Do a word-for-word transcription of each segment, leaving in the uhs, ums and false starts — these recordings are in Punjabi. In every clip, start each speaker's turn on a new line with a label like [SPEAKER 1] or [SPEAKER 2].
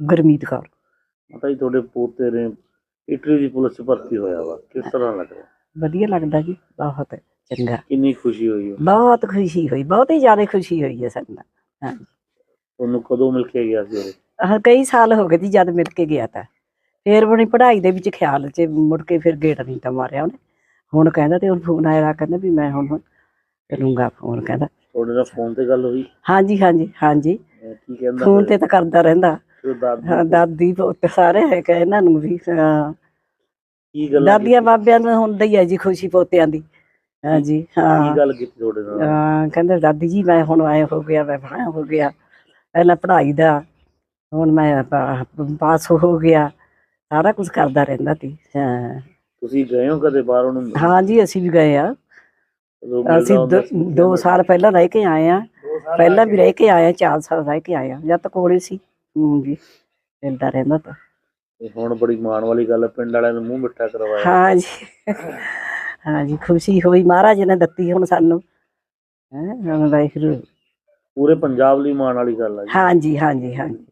[SPEAKER 1] ਗੁਰਮੀਤ ਕੌਰ।
[SPEAKER 2] ਪਤਾ ਜੀ ਤੁਹਾਡੇ ਪੋਤੇ ਨੇ ਇਟਲੀ ਦੀ ਪੁਲਿਸ 'ਚ ਭਰਤੀ ਹੋਇਆ ਵਾ, ਕਿਸ ਤਰ੍ਹਾਂ ਲੱਗ ਰਿਹਾ?
[SPEAKER 1] ਵਧੀਆ ਲੱਗਦਾ ਜੀ, ਬਹੁਤ ਚੰਗਾ।
[SPEAKER 2] ਕਿੰਨੀ ਖੁਸ਼ੀ ਹੋਈ ਹੈ?
[SPEAKER 1] ਬਹੁਤ ਖੁਸ਼ੀ ਹੋਈ, ਬਹੁਤ ਹੀ ਜ਼ਿਆਦਾ ਖੁਸ਼ੀ ਹੋਈ ਹੈ ਸਾਨੂੰ। ਹਾਂਜੀ।
[SPEAKER 2] ਤੁਹਾਨੂੰ ਕਦੋਂ ਮਿਲ ਕੇ ਗਿਆ ਸੀ ਉਹ?
[SPEAKER 1] ਆਹ ਕਈ ਸਾਲ ਹੋ ਗਏ ਜੀ ਜਦ ਮਿਲ ਕੇ ਗਿਆ ਤਾਂ ਫਿਰ ਆਪਣੀ ਪੜ੍ਹਾਈ ਦੇ ਵਿੱਚ ਖਿਆਲ 'ਚ ਮੁੜ ਕੇ ਫਿਰ ਗੇਟ ਨਹੀਂ ਤਾਂ ਮਾਰਿਆ ਉਹਨੇ। ਹੁਣ ਕਹਿੰਦਾ ਤੇ ਹੁਣ ਫੋਨ ਆਇਆ, ਕਹਿੰਦਾ ਵੀ ਮੈਂ ਹੁਣ ਕਰੂੰਗਾ ਫੋਨ। ਕਹਿੰਦਾ
[SPEAKER 2] ਤੁਹਾਡੇ ਨਾਲ ਫੋਨ ਤੇ ਗੱਲ ਹੋਈ?
[SPEAKER 1] ਹਾਂਜੀ ਹਾਂਜੀ ਹਾਂਜੀ,
[SPEAKER 2] ਕੀ ਕਹਿੰਦਾ?
[SPEAKER 1] ਫੋਨ ਤੇ ਤਾਂ ਕਰਦਾ ਰਹਿੰਦਾ। ਹਾਂ, ਦਾਦੀ ਪੁੱਤ ਸਾਰੇ ਹੈ ਕਿ ਇਹਨਾਂ ਨੂੰ ਵੀ
[SPEAKER 2] ਕੀ ਗੱਲ?
[SPEAKER 1] ਦਾਦੀਆਂ ਬਾਬਿਆਂ ਨੂੰ ਹੁੰਦਾ ਹੀ ਹੈ ਜੀ ਖੁਸ਼ੀ ਪੋਤਿਆਂ ਦੀ। ਹਾਂਜੀ ਹਾਂ।
[SPEAKER 2] ਕੀ ਗੱਲ ਕੀਤੀ ਤੁਹਾਡੇ ਨਾਲ?
[SPEAKER 1] ਹਾਂ, ਕਹਿੰਦਾ ਦਾਦੀ ਜੀ ਮੈਂ ਹੁਣ ਐਂ ਹੋ ਗਿਆ, ਮੈਂ ਐਂ ਹੋ ਗਿਆ, ਪਹਿਲਾਂ ਪੜ੍ਹਾਈ ਦਾ, ਹੁਣ ਮੈਂ ਪਾਸ ਹੋ ਗਿਆ, ਸਾਰਾ ਕੁਝ ਕਰਦਾ ਰਹਿੰਦਾ ਸੀ। ਹਾਂ।
[SPEAKER 2] ਤੁਸੀਂ ਗਏ ਹੋ ਕਦੇ ਬਾਹਰ ਉਹਨੂੰ?
[SPEAKER 1] ਹਾਂ ਜੀ, ਅਸੀਂ ਵੀ ਗਏ ਆ। ਅਸੀਂ ਦੋ ਸਾਲ ਪਹਿਲਾਂ ਰਹਿ ਕੇ ਆਏ ਆ, ਪਹਿਲਾਂ ਵੀ ਰਹਿ ਕੇ ਆਏ ਆ, ਚਾਰ ਸਾਲ ਰਹਿ ਕੇ ਆਏ ਆ ਜਦ ਤੱਕ ਕੋਲੇ ਸੀ ਜੀ, ਮਿਲਦਾ ਰਹਿੰਦਾ ਤਾਂ।
[SPEAKER 2] ਹੁਣ ਬੜੀ ਮਾਣ ਵਾਲੀ ਗੱਲ ਹੈ, ਪਿੰਡ ਵਾਲਿਆਂ ਨੂੰ ਮੂੰਹ ਮਿੱਠਾ ਕਰਵਾਇਆ।
[SPEAKER 1] ਹਾਂ ਜੀ ਹਾਂ ਜੀ, ਖੁਸ਼ੀ ਹੋਈ, ਮਹਾਰਾਜ ਨੇ ਦਿੱਤੀ ਹੁਣ ਸਾਨੂੰ। ਹੈਂ ਵਾਹਿਗੁਰੂ।
[SPEAKER 2] ਪੂਰੇ ਪੰਜਾਬ ਲਈ ਮਾਣ ਵਾਲੀ ਗੱਲ ਹੈ।
[SPEAKER 1] ਹਾਂਜੀ ਹਾਂਜੀ ਹਾਂਜੀ।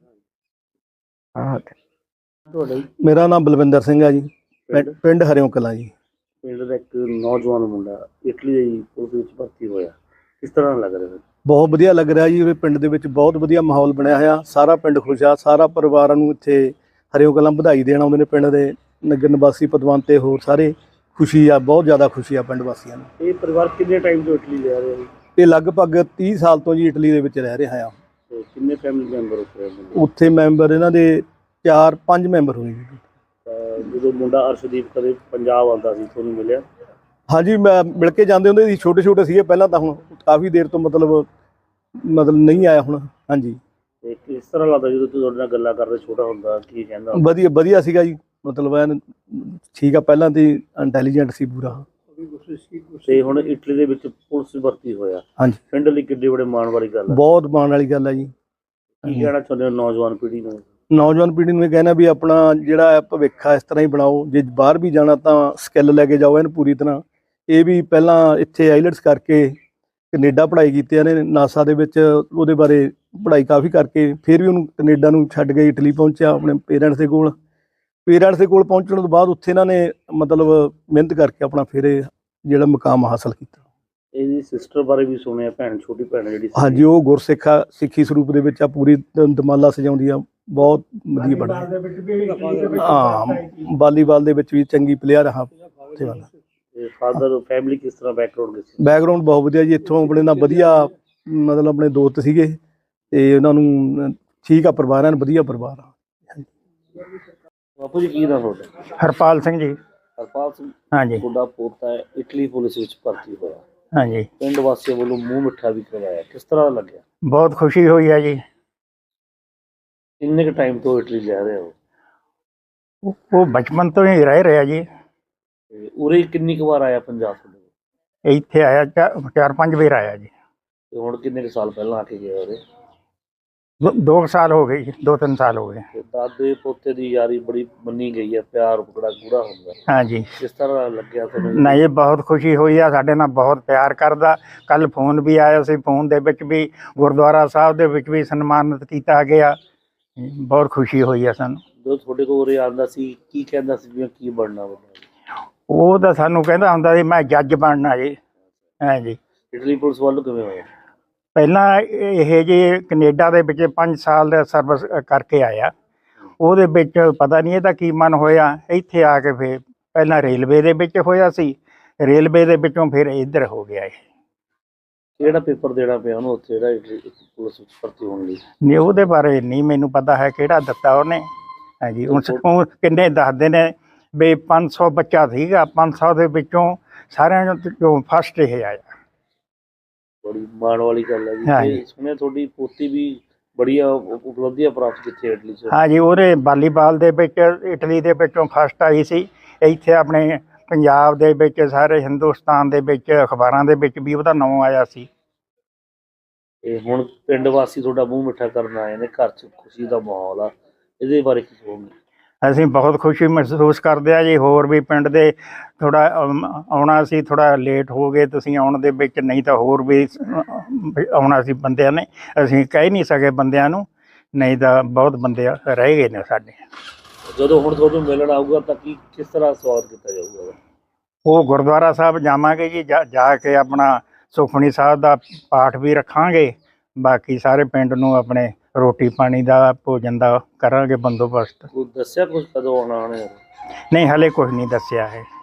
[SPEAKER 2] ਤੁਹਾਡਾ?
[SPEAKER 3] ਮੇਰਾ ਨਾਮ ਬਲਵਿੰਦਰ ਸਿੰਘ ਹੈ ਜੀ, ਪਿੰਡ ਹਰਿਓਂ ਕਲਾਂ ਜੀ।
[SPEAKER 2] ਪਿੰਡ ਦਾ ਇੱਕ ਨੌਜਵਾਨ ਮੁੰਡਾ ਇਟਲੀ ਦੀ ਪੁਲਿਸ ਵਿੱਚ ਭਰਤੀ ਹੋਇਆ, ਕਿਸ ਤਰ੍ਹਾਂ ਲੱਗ ਰਿਹਾ?
[SPEAKER 3] ਬਹੁਤ ਵਧੀਆ ਲੱਗ ਰਿਹਾ ਜੀ। ਉਰੇ ਪਿੰਡ ਦੇ ਵਿੱਚ ਬਹੁਤ ਵਧੀਆ ਮਾਹੌਲ ਬਣਿਆ ਹੋਇਆ, ਸਾਰਾ ਪਿੰਡ ਖੁਸ਼ ਆ, ਸਾਰਾ ਪਰਿਵਾਰਾਂ ਨੂੰ ਇੱਥੇ ਹਰਿਓਂ ਕਲਾਂ ਵਧਾਈ ਦੇਣ ਆਉਂਦੇ ਨੇ। ਪਿੰਡ ਦੇ ਨਗਰ ਨਿਵਾਸੀ ਪਦਵੰਤ ਤੇ ਹੋਰ ਸਾਰੇ ਖੁਸ਼ੀ ਆ, ਬਹੁਤ ਜ਼ਿਆਦਾ ਖੁਸ਼ੀ ਆ ਪਿੰਡ ਵਾਸੀਆਂ ਨੂੰ।
[SPEAKER 2] ਇਹ ਪਰਿਵਾਰ ਕਿੰਨੇ ਟਾਈਮ ਤੋਂ ਇਟਲੀ ਰਹਿ ਰਿਹਾ ਜੀ?
[SPEAKER 3] ਇਹ ਲਗਭਗ ਤੀਹ ਸਾਲ ਤੋਂ ਜੀ ਇਟਲੀ ਦੇ ਵਿੱਚ ਰਹਿ ਰਿਹਾ ਆ।
[SPEAKER 2] ਕਿੰਨੇ ਫੈਮਿਲੀ ਮੈਂਬਰ ਉੱਥੇ ਰਹਿੰਦੇ?
[SPEAKER 3] ਉੱਥੇ ਮੈਂਬਰ ਇਹਨਾਂ ਦੇ ਚਾਰ ਪੰਜ ਮੈਂਬਰ ਹੋਏ ਜੀ।
[SPEAKER 2] ਜਦੋਂ ਮੁੰਡਾ ਅਰਸ਼ਦੀਪ ਕਦੇ ਪੰਜਾਬ ਆਉਂਦਾ ਸੀ, ਤੁਹਾਨੂੰ ਮਿਲਿਆ?
[SPEAKER 3] ਹਾਂਜੀ, ਮੈਂ ਮਿਲ ਕੇ ਜਾਂਦੇ ਹੁੰਦੇ ਸੀ, ਛੋਟੇ ਛੋਟੇ ਸੀਗੇ ਪਹਿਲਾਂ ਤਾਂ, ਹੁਣ ਕਾਫੀ ਦੇਰ ਤੋਂ ਮਤਲਬ ਮਤਲਬ ਨਹੀਂ ਆਇਆ ਹੁਣ। ਹਾਂਜੀ।
[SPEAKER 2] ਤੇ ਕਿਸ ਤਰ੍ਹਾਂ ਲੱਗਦਾ ਜਦੋਂ ਤੁਹਾਡੇ ਨਾਲ ਗੱਲਾਂ ਕਰਦੇ? ਛੋਟਾ ਹੁੰਦਾ ਕੀ ਕਹਿੰਦਾ?
[SPEAKER 3] ਵਧੀਆ ਵਧੀਆ ਸੀਗਾ ਜੀ, ਮਤਲਬ ਐਨ ਠੀਕ ਆ, ਪਹਿਲਾਂ ਤੇ ਇੰਟੈਲੀਜੈਂਟ ਸੀ ਪੂਰਾ।
[SPEAKER 2] ਤੇ ਹੁਣ ਇਟਲੀ ਦੇ ਵਿੱਚ ਪੁਲਿਸ ਭਰਤੀ ਹੋਇਆ,
[SPEAKER 3] ਹਾਂਜੀ,
[SPEAKER 2] ਪਿੰਡ ਲਈ ਕਿੱਡੀ ਬੜੇ ਮਾਣ ਵਾਲੀ ਗੱਲ ਹੈ।
[SPEAKER 3] ਬਹੁਤ ਮਾਣ ਵਾਲੀ ਗੱਲ ਹੈ ਜੀ।
[SPEAKER 2] ਕੀ ਕਹਿਣਾ ਚਾਹੁੰਦੇ ਹੋ ਨੌਜਵਾਨ ਪੀੜ੍ਹੀ ਨੂੰ?
[SPEAKER 3] ਨੌਜਵਾਨ ਪੀੜ੍ਹੀ ਨੂੰ ਇਹ ਕਹਿਣਾ ਵੀ ਆਪਣਾ ਜਿਹੜਾ ਭਵਿੱਖ ਆ ਇਸ ਤਰ੍ਹਾਂ ਹੀ ਬਣਾਓ, ਜੇ ਬਾਹਰ ਵੀ ਜਾਣਾ ਤਾਂ ਸਕਿੱਲ ਲੈ ਕੇ ਜਾਓ ਇਹਨੂੰ ਪੂਰੀ ਤਰ੍ਹਾਂ। ਇਹ ਵੀ ਪਹਿਲਾਂ ਇੱਥੇ ਆਈਲੈਟਸ ਕਰਕੇ ਕੈਨੇਡਾ ਪੜ੍ਹਾਈ ਕੀਤੀ ਇਹਨੇ, ਨਾਸਾ ਦੇ ਵਿੱਚ ਉਹਦੇ ਬਾਰੇ ਪੜ੍ਹਾਈ ਕਾਫੀ ਕਰਕੇ ਫਿਰ ਵੀ ਉਹਨੂੰ ਕੈਨੇਡਾ ਨੂੰ ਛੱਡ ਕੇ ਇਟਲੀ ਪਹੁੰਚਿਆ ਆਪਣੇ ਪੇਰੈਂਟਸ ਦੇ ਕੋਲ। ਪੇਰੈਂਟਸ ਦੇ ਕੋਲ ਪਹੁੰਚਣ ਤੋਂ ਬਾਅਦ ਉੱਥੇ ਇਹਨਾਂ ਨੇ ਮਤਲਬ ਮਿਹਨਤ ਕਰਕੇ ਆਪਣਾ ਫਿਰ ਇਹ ਜਿਹੜਾ ਮੁਕਾਮ ਹਾਸਲ ਕੀਤਾ।
[SPEAKER 2] ਇਹਦੀ ਸਿਸਟਰ ਬਾਰੇ ਵੀ ਸੁਣਿਆ, ਭੈਣ, ਛੋਟੀ ਭੈਣ ਜਿਹੜੀ?
[SPEAKER 3] ਹਾਂਜੀ, ਉਹ ਗੁਰਸਿੱਖ ਆ, ਸਿੱਖੀ ਸਰੂਪ ਦੇ ਵਿੱਚ ਆ, ਪੂਰੀ ਦਮਾਲਾ ਸਜਾਉਂਦੀ ਆ, ਬਹੁਤ ਵਧੀਆ ਬਣੀ। ਹਾਂ, ਵਾਲੀਬਾਲ ਦੇ ਵਿੱਚ ਵੀ ਚੰਗੀ ਪਲੇਅਰ ਆ।
[SPEAKER 2] ਫਾਦਰ ਫੈਮਿਲੀ ਕਿਸ ਤਰ੍ਹਾਂ ਬੈਕਗ੍ਰਾਉਂਡ?
[SPEAKER 3] ਬੈਕਗ੍ਰਾਉਂਡ ਬਹੁਤ ਵਧੀਆ ਜੀ। ਇੱਥੋਂ ਆਪਣੇ ਨਾਲ ਵਧੀਆ ਮਤਲਬ ਆਪਣੇ ਦੋਸਤ ਸੀਗੇ ਤੇ ਉਹਨਾਂ ਨੂੰ ਠੀਕ ਆ, ਪਰਿਵਾਰ ਐਨ ਵਧੀਆ ਪਰਿਵਾਰ ਆ।
[SPEAKER 2] ਬਾਪੂ ਜੀ ਕੀ ਨਾਮ ਤੁਹਾਡਾ?
[SPEAKER 4] ਹਰਪਾਲ ਸਿੰਘ ਜੀ।
[SPEAKER 2] ਹਰਪਾਲ ਸਿੰਘ।
[SPEAKER 4] ਹਾਂਜੀ।
[SPEAKER 2] ਤੁਹਾਡਾ ਪੋਤਾ ਇਟਲੀ ਪੁਲਿਸ ਵਿੱਚ ਭਰਤੀ ਹੋਇਆ,
[SPEAKER 4] ਹਾਂਜੀ,
[SPEAKER 2] ਪਿੰਡ ਵਾਸੀਆਂ ਵੱਲੋਂ ਮੂੰਹ ਮਿੱਠਾ ਵੀ ਕਰਵਾਇਆ, ਕਿਸ ਤਰ੍ਹਾਂ ਲੱਗਿਆ?
[SPEAKER 4] ਬਹੁਤ ਖੁਸ਼ੀ ਹੋਈ ਹੈ ਜੀ।
[SPEAKER 2] ਕਿੰਨੇ ਕੁ ਟਾਈਮ ਤੋਂ ਇਟਲੀ ਰਹਿ ਰਹੇ ਹੋ?
[SPEAKER 4] ਉਹ ਬਚਪਨ ਤੋਂ ਹੀ ਰਹਿ ਰਿਹਾ ਜੀ।
[SPEAKER 2] ਤੇ ਉਰੇ ਕਿੰਨੀ ਕੁ ਵਾਰ ਆਇਆ ਪੰਜਾਬ ਤੋਂ?
[SPEAKER 4] ਇੱਥੇ ਆਇਆ ਚਾਰ ਪੰਜ ਵਾਰ ਆਇਆ ਜੀ।
[SPEAKER 2] ਤੇ ਹੁਣ ਕਿੰਨੇ ਕੁ ਸਾਲ ਪਹਿਲਾਂ ਆ ਕੇ ਗਿਆ ਉਰੇ?
[SPEAKER 4] ਦੋ ਸਾਲ ਹੋ ਗਏ ਜੀ, ਦੋ ਤਿੰਨ ਸਾਲ ਹੋ ਗਏ।
[SPEAKER 2] ਤੇ ਦਾਦੇ ਪੋਤੇ ਦੀ ਯਾਰੀ ਬੜੀ ਮੰਨੀ ਗਈ ਹੈ, ਪਿਆਰ ਬੜਾ ਗੂੜਾ ਹੁੰਦਾ।
[SPEAKER 4] ਹਾਂਜੀ।
[SPEAKER 2] ਕਿਸ ਤਰ੍ਹਾਂ ਲੱਗਿਆ ਤੁਹਾਨੂੰ?
[SPEAKER 4] ਨਹੀਂ, ਬਹੁਤ ਖੁਸ਼ੀ ਹੋਈ ਆ, ਸਾਡੇ ਨਾਲ ਬਹੁਤ ਪਿਆਰ ਕਰਦਾ। ਕੱਲ ਫੋਨ ਵੀ ਆਇਆ ਸੀ, ਫੋਨ ਦੇ ਵਿੱਚ ਵੀ ਗੁਰਦੁਆਰਾ ਸਾਹਿਬ ਦੇ ਵਿੱਚ ਵੀ ਸਨਮਾਨਿਤ ਕੀਤਾ ਗਿਆ। ਬਹੁਤ ਖੁਸ਼ੀ ਹੋਈ ਆ ਸਾਨੂੰ।
[SPEAKER 2] ਜਦੋਂ ਤੁਹਾਡੇ ਕੋਲ ਉਰੇ ਆਉਂਦਾ ਸੀ ਕੀ ਕਹਿੰਦਾ ਸੀ ਵੀ ਕੀ ਬਣਨਾ?
[SPEAKER 4] ਉਹ ਤਾਂ ਸਾਨੂੰ ਕਹਿੰਦਾ ਹੁੰਦਾ ਸੀ ਮੈਂ ਜੱਜ ਬਣਨਾ ਜੀ। ਹਾਂਜੀ।
[SPEAKER 2] ਇਟਲੀ ਪੁਲਿਸ ਵੱਲੋਂ ਕਿਵੇਂ ਹੋਇਆ?
[SPEAKER 4] ਪਹਿਲਾਂ ਇਹ ਜੇ ਕੈਨੇਡਾ ਦੇ ਵਿੱਚ ਪੰਜ ਸਾਲ ਦਾ ਸਰਵਿਸ ਕਰਕੇ ਆਇਆ, ਉਹਦੇ ਵਿੱਚ ਪਤਾ ਨਹੀਂ ਇਹਦਾ ਕੀ ਮਨ ਹੋਇਆ, ਇੱਥੇ ਆ ਕੇ ਫਿਰ ਪਹਿਲਾਂ ਰੇਲਵੇ ਦੇ ਵਿੱਚ ਹੋਇਆ ਸੀ, ਰੇਲਵੇ ਦੇ ਵਿੱਚੋਂ ਫਿਰ ਇੱਧਰ ਹੋ ਗਿਆ। ਇਹ
[SPEAKER 2] ਕਿਹੜਾ ਪੇਪਰ ਦੇਣਾ ਪਿਆ ਉਹਨੂੰ ਉੱਥੇ ਜਿਹੜਾ ਪੁਲਿਸ ਵਿੱਚ ਭਰਤੀ ਹੋਣ ਲਈ?
[SPEAKER 4] ਨਹੀਂ, ਉਹਦੇ ਬਾਰੇ ਨਹੀਂ ਮੈਨੂੰ ਪਤਾ ਹੈ ਕਿਹੜਾ ਦਿੱਤਾ ਉਹਨੇ। ਹਾਂਜੀ। ਉਹ ਕਿੰਨੇ ਦੱਸਦੇ ਨੇ ਵੀ ਪੰਜ ਸੌ ਬੱਚਾ ਸੀਗਾ, ਪੰਜ ਸੌ ਦੇ ਵਿੱਚੋਂ ਸਾਰਿਆਂ ਚੋਂ ਫਸਟ ਇਹ ਆਇਆ।
[SPEAKER 2] ਬੜੀ ਮਾਣ ਵਾਲੀ ਗੱਲ ਹੈ ਜੀ। ਸੁਣਿਆ ਤੁਹਾਡੀ ਪੋਤੀ ਵੀ ਬੜੀਆਂ ਉਪਲਬਧੀਆਂ ਪ੍ਰਾਪਤ ਕੀਤੀਆਂ ਇਟਲੀ 'ਚ?
[SPEAKER 4] ਹਾਂਜੀ, ਉਹਦੇ ਵਾਲੀਬਾਲ ਦੇ ਵਿੱਚ ਇਟਲੀ ਦੇ ਵਿੱਚੋਂ ਫਸਟ ਆਈ ਸੀ। ਇੱਥੇ ਆਪਣੇ ਪੰਜਾਬ ਦੇ ਵਿੱਚ, ਸਾਰੇ ਹਿੰਦੁਸਤਾਨ ਦੇ ਵਿੱਚ, ਅਖਬਾਰਾਂ ਦੇ ਵਿੱਚ ਵੀ ਉਹਦਾ ਨਾਮ ਆਇਆ ਸੀ।
[SPEAKER 2] ਤੇ ਹੁਣ ਪਿੰਡ ਵਾਸੀ ਤੁਹਾਡਾ ਮੂੰਹ ਮਿੱਠਾ ਕਰਨ ਆਏ ਨੇ, ਘਰ 'ਚ ਖੁਸ਼ੀ ਦਾ ਮਾਹੌਲ ਆ, ਇਹਦੇ ਬਾਰੇ ਕੀ ਕਹੋਗੇ?
[SPEAKER 4] ਅਸੀਂ ਬਹੁਤ ਖੁਸ਼ੀ ਮਹਿਸੂਸ ਕਰਦੇ ਹਾਂ ਜੀ। ਹੋਰ ਵੀ ਪਿੰਡ ਦੇ ਥੋੜ੍ਹਾ ਆਉਣਾ ਸੀ, ਥੋੜ੍ਹਾ ਲੇਟ ਹੋ ਗਏ ਤੁਸੀਂ ਆਉਣ ਦੇ ਵਿੱਚ, ਨਹੀਂ ਤਾਂ ਹੋਰ ਵੀ ਆਉਣਾ ਸੀ ਬੰਦਿਆਂ ਨੇ, ਅਸੀਂ ਕਹਿ ਨਹੀਂ ਸਕੇ ਬੰਦਿਆਂ ਨੂੰ ਨਹੀਂ ਤਾਂ ਬਹੁਤ ਬੰਦੇ ਰਹਿ ਗਏ ਨੇ ਸਾਡੇ।
[SPEAKER 2] ਜਦੋਂ ਹੁਣ ਤੁਹਾਨੂੰ ਮਿਲਣ ਆਊਗਾ ਤਾਂ ਕੀ ਕਿਸ ਤਰ੍ਹਾਂ ਸਵਾਗਤ ਕੀਤਾ ਜਾਊਗਾ ਉਹਦਾ?
[SPEAKER 4] ਉਹ ਗੁਰਦੁਆਰਾ ਸਾਹਿਬ ਜਾਵਾਂਗੇ ਜੀ, ਜਾ ਜਾ ਕੇ ਆਪਣਾ ਸੁਖਮਨੀ ਸਾਹਿਬ ਦਾ ਪਾਠ ਵੀ ਰੱਖਾਂਗੇ। ਬਾਕੀ ਸਾਰੇ ਪਿੰਡ ਨੂੰ ਆਪਣੇ ਰੋਟੀ ਪਾਣੀ ਦਾ, ਭੋਜਨ ਦਾ ਕਰਾਂਗੇ ਬੰਦੋਬਸਤ।
[SPEAKER 2] ਕੋਈ ਦੱਸਿਆ ਕੁਝ ਕਦੋਂ ਆਉਣਾ ਉਹਨੇ?
[SPEAKER 4] ਨਹੀਂ, ਹਲੇ ਕੁਝ ਨਹੀਂ ਦੱਸਿਆ ਹੈ।